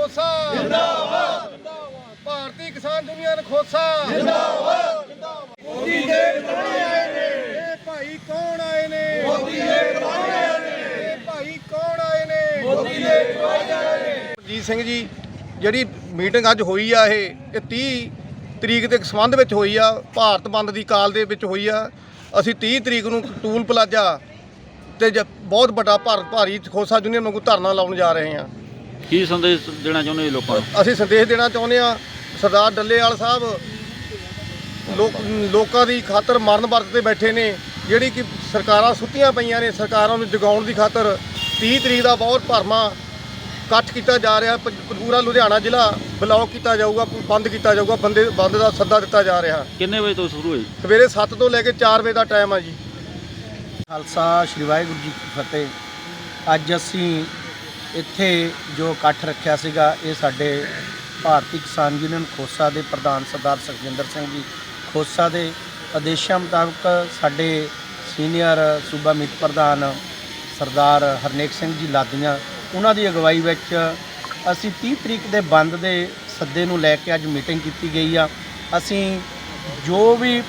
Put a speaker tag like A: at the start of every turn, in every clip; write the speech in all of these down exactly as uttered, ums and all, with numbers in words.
A: खोसा जिंदाबाद, भारतीय किसान यूनियन खोसा जिंदाबाद। मोदी दे बनाए आए ने, ए भाई कौन आए ने? मोदी दे बनाए आए ने, ए भाई कौन आए ने? मोदी दे बनाए आए ने। ਜੀਤ ਸਿੰਘ ਜੀ, ਜਿਹੜੀ ਮੀਟਿੰਗ ਅੱਜ ਹੋਈ ਆ ਇਹ ਇਹ ਤੀਹ ਤਰੀਕ ਦੇ ਸੰਬੰਧ ਵਿੱਚ ਹੋਈ ਆ, ਭਾਰਤ ਬੰਦ ਦੀ ਕਾਲ ਦੇ ਵਿੱਚ ਹੋਈ ਆ। ਅਸੀਂ ਤੀਹ ਤਰੀਕ ਨੂੰ ਟੂਲ ਪਲਾਜ਼ਾ ਤੇ ਬਹੁਤ ਵੱਡਾ ਭਾਰ ਭਾਰੀ ਖੋਸਾ ਯੂਨੀਅਨ ਵਾਂਗੂ ਧਰਨਾ ਲਾਉਣ ਜਾ ਰਹੇ ਹਾਂ।
B: ਕੀ ਸੰਦੇਸ਼ ਦੇਣਾ ਚਾਹੁੰਦੇ ਜੀ ਲੋਕਾਂ ਨੂੰ?
A: ਅਸੀਂ ਸੰਦੇਸ਼ ਦੇਣਾ ਚਾਹੁੰਦੇ ਹਾਂ, ਸਰਦਾਰ ਡੱਲੇਵਾਲ ਸਾਹਿਬ ਲੋਕ ਲੋਕਾਂ ਦੀ ਖਾਤਰ ਮਰਨ ਵਰਤ ਤੇ ਬੈਠੇ ਨੇ। ਜਿਹੜੀ ਕਿ ਸਰਕਾਰਾਂ ਸੁੱਤੀਆਂ ਪਈਆਂ ਨੇ, ਸਰਕਾਰਾਂ ਨੂੰ ਜਗਾਉਣ ਦੀ ਖਾਤਰ ਤੀਹ ਤਰੀਕ ਦਾ ਬਹੁਤ ਭਰਮਾ ਇਕੱਠ ਕੀਤਾ ਜਾ ਰਿਹਾ। ਪੂਰਾ ਲੁਧਿਆਣਾ ਜ਼ਿਲ੍ਹਾ ਬਲੌਕ ਕੀਤਾ ਜਾਊਗਾ, ਬੰਦ ਕੀਤਾ ਜਾਊਗਾ, ਬੰਦੇ ਬੰਦ ਦਾ ਸੱਦਾ ਦਿੱਤਾ ਜਾ ਰਿਹਾ।
B: ਕਿੰਨੇ ਵਜੇ ਤੋਂ ਸ਼ੁਰੂ ਹੋਈ?
A: ਸਵੇਰੇ ਸੱਤ ਤੋਂ ਲੈ ਕੇ ਚਾਰ ਵਜੇ ਦਾ ਟਾਈਮ ਆ ਜੀ।
C: ਖਾਲਸਾ ਸ਼੍ਰੀ ਵਾਹਿਗੁਰੂ ਜੀ ਕੀ ਫਤਿਹ। ਅੱਜ ਅਸੀਂ ਇੱਥੇ ਜੋ ਇਕੱਠ ਰੱਖਿਆ ਸੀਗਾ, ਇਹ ਸਾਡੇ ਭਾਰਤੀ ਕਿਸਾਨ ਯੂਨੀਅਨ ਖੋਸਾ ਦੇ ਪ੍ਰਧਾਨ ਸਰਦਾਰ ਸੁਖਜਿੰਦਰ ਸਿੰਘ ਜੀ ਖੋਸਾ ਦੇ ਆਦੇਸ਼ਾਂ ਮੁਤਾਬਕ ਸਾਡੇ ਸੀਨੀਅਰ ਸੂਬਾ ਮੀਤ ਪ੍ਰਧਾਨ ਸਰਦਾਰ ਹਰਨੇਕ ਸਿੰਘ ਜੀ ਲਾਦੀਆਂ, ਉਹਨਾਂ ਦੀ ਅਗਵਾਈ ਵਿੱਚ ਅਸੀਂ ਤੀਹ ਤਰੀਕ ਦੇ ਬੰਦ ਦੇ ਸੱਦੇ ਨੂੰ ਲੈ ਕੇ ਅੱਜ ਮੀਟਿੰਗ ਕੀਤੀ ਗਈ ਆ। ਅਸੀਂ ਜੋ ਵੀ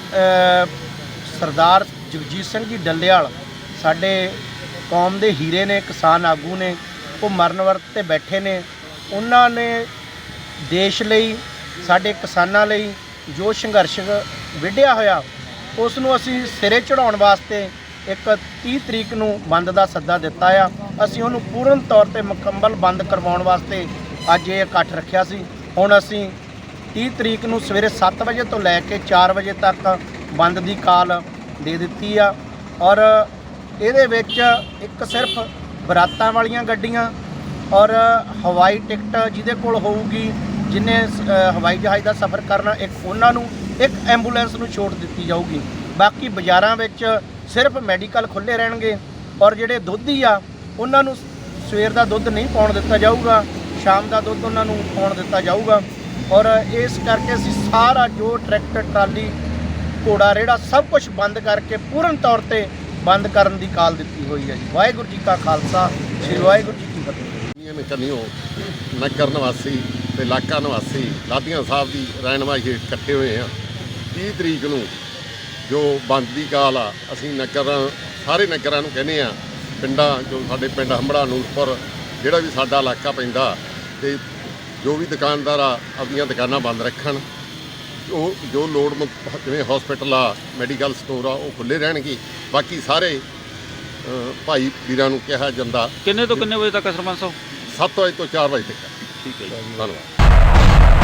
C: ਸਰਦਾਰ ਜਗਜੀਤ ਸਿੰਘ ਜੀ ਡੱਲੇਵਾਲ ਸਾਡੇ ਕੌਮ ਦੇ ਹੀਰੇ ਨੇ, ਕਿਸਾਨ ਆਗੂ ਨੇ, ਉਹ ਮਰਨ ਵਰਤ ਤੇ ਬੈਠੇ ਨੇ। ਉਹਨਾਂ ਨੇ ਦੇਸ਼ ਲਈ, ਸਾਡੇ ਕਿਸਾਨਾਂ ਲਈ ਜੋ ਸੰਘਰਸ਼ ਵਿੱਢਿਆ ਹੋਇਆ, ਉਸ ਨੂੰ ਅਸੀਂ ਸਿਰੇ ਚੜਾਉਣ ਵਾਸਤੇ ਇੱਕ ਤੀਹ ਤਰੀਕ ਨੂੰ ਬੰਦ ਦਾ ਸੱਦਾ ਦਿੱਤਾ ਆ। ਅਸੀਂ ਉਹਨੂੰ ਪੂਰਨ ਤੌਰ ਤੇ ਮੁਕੰਮਲ ਬੰਦ ਕਰਵਾਉਣ ਵਾਸਤੇ ਅੱਜ ਇਹ ਇਕੱਠ ਰੱਖਿਆ ਸੀ। ਹੁਣ ਅਸੀਂ ਤੀਹ ਤਰੀਕ ਨੂੰ ਸਵੇਰੇ ਸੱਤ ਵਜੇ ਤੋਂ ਲੈ ਕੇ ਚਾਰ ਵਜੇ ਤੱਕ ਬੰਦ ਦੀ ਕਾਲ ਦੇ ਦਿੱਤੀ ਆ। ਔਰ ਇਹਦੇ ਵਿੱਚ ਇੱਕ ਸਿਰਫ ਬਰਾਤਾਂ ਵਾਲੀਆਂ ਗੱਡੀਆਂ ਔਰ ਹਵਾਈ ਟਿਕਟ ਜਿਹਦੇ ਕੋਲ ਹੋਊਗੀ, ਜਿਹਨੇ ਹਵਾਈ ਜਹਾਜ਼ ਦਾ ਸਫ਼ਰ ਕਰਨਾ, ਇੱਕ ਉਹਨਾਂ ਨੂੰ, ਇੱਕ ਐਂਬੂਲੈਂਸ ਨੂੰ ਛੋਟ ਦਿੱਤੀ ਜਾਊਗੀ। ਬਾਕੀ ਬਾਜ਼ਾਰਾਂ ਵਿੱਚ ਸਿਰਫ ਮੈਡੀਕਲ ਖੁੱਲ੍ਹੇ ਰਹਿਣਗੇ। ਔਰ ਜਿਹੜੇ ਦੁੱਧੀ ਆ, ਉਹਨਾਂ ਨੂੰ ਸਵੇਰ ਦਾ ਦੁੱਧ ਨਹੀਂ ਪਾਉਣ ਦਿੱਤਾ ਜਾਊਗਾ, ਸ਼ਾਮ ਦਾ ਦੁੱਧ ਉਹਨਾਂ ਨੂੰ ਪਾਉਣ ਦਿੱਤਾ ਜਾਊਗਾ। ਔਰ ਇਸ ਕਰਕੇ ਅਸੀਂ ਸਾਰਾ ਜੋ ਟਰੈਕਟਰ, ਟਰਾਲੀ, ਘੋੜਾ ਰੇੜਾ ਸਭ ਕੁਝ ਬੰਦ ਕਰਕੇ ਪੂਰਨ ਤੌਰ ਤੇ ਬੰਦ ਕਰਨ ਦੀ ਕਾਲ ਦਿੱਤੀ ਹੋਈ ਹੈ ਜੀ। ਵਾਹਿਗੁਰੂ ਜੀ ਕਾ ਖਾਲਸਾ, ਸ੍ਰੀ ਵਾਹਿਗੁਰੂ ਜੀ ਕੀ ਫਤਿਹ।
D: ਕੰਨਿਓ ਨਗਰ ਨਿਵਾਸੀ ਤੇ ਇਲਾਕਾ ਨਿਵਾਸੀ ਲਾਦੀਆਂ ਸਾਹਿਬ ਦੀ ਰਹਿਨਮਾਈ ਹੇਠ ਇਕੱਠੇ ਹੋਏ ਆ। ਤੀਹ ਤਰੀਕ ਨੂੰ ਜੋ ਬੰਦ ਦੀ ਕਾਲ ਆ, ਅਸੀਂ ਨਗਰਾਂ ਸਾਰੇ ਨਗਰਾਂ ਨੂੰ ਕਹਿੰਦੇ ਆ, ਪਿੰਡਾਂ ਜੋ ਸਾਡੇ ਪਿੰਡ ਹੰਬੜਾ, ਨੂਰਪੁਰ, ਜਿਹੜਾ ਵੀ ਸਾਡਾ ਇਲਾਕਾ ਪੈਂਦਾ, ਤੇ ਜੋ ਵੀ ਦੁਕਾਨਦਾਰ ਆ ਆਪਣੀਆਂ ਦੁਕਾਨਾਂ ਬੰਦ ਰੱਖਣ। ਉਹ ਜੋ ਲੋੜਵੰਦ ਜਿਵੇਂ ਹਸਪੀਟਲ ਆ, ਮੈਡੀਕਲ ਸਟੋਰ ਆ, ਉਹ ਖੁੱਲ੍ਹੇ ਰਹਿਣਗੇ। ਬਾਕੀ ਸਾਰੇ ਭਾਈ ਵੀਰਾਂ ਨੂੰ ਕਿਹਾ ਜਾਂਦਾ।
B: ਕਿੰਨੇ ਤੋਂ ਕਿੰਨੇ ਵਜੇ ਤੱਕ ਸਰਪੰਚ ਸਾਹਿਬ?
D: ਸੱਤ ਵਜੇ ਤੋਂ ਚਾਰ ਵਜੇ ਤੱਕ।
B: ਠੀਕ ਹੈ ਜੀ,
D: ਧੰਨਵਾਦ।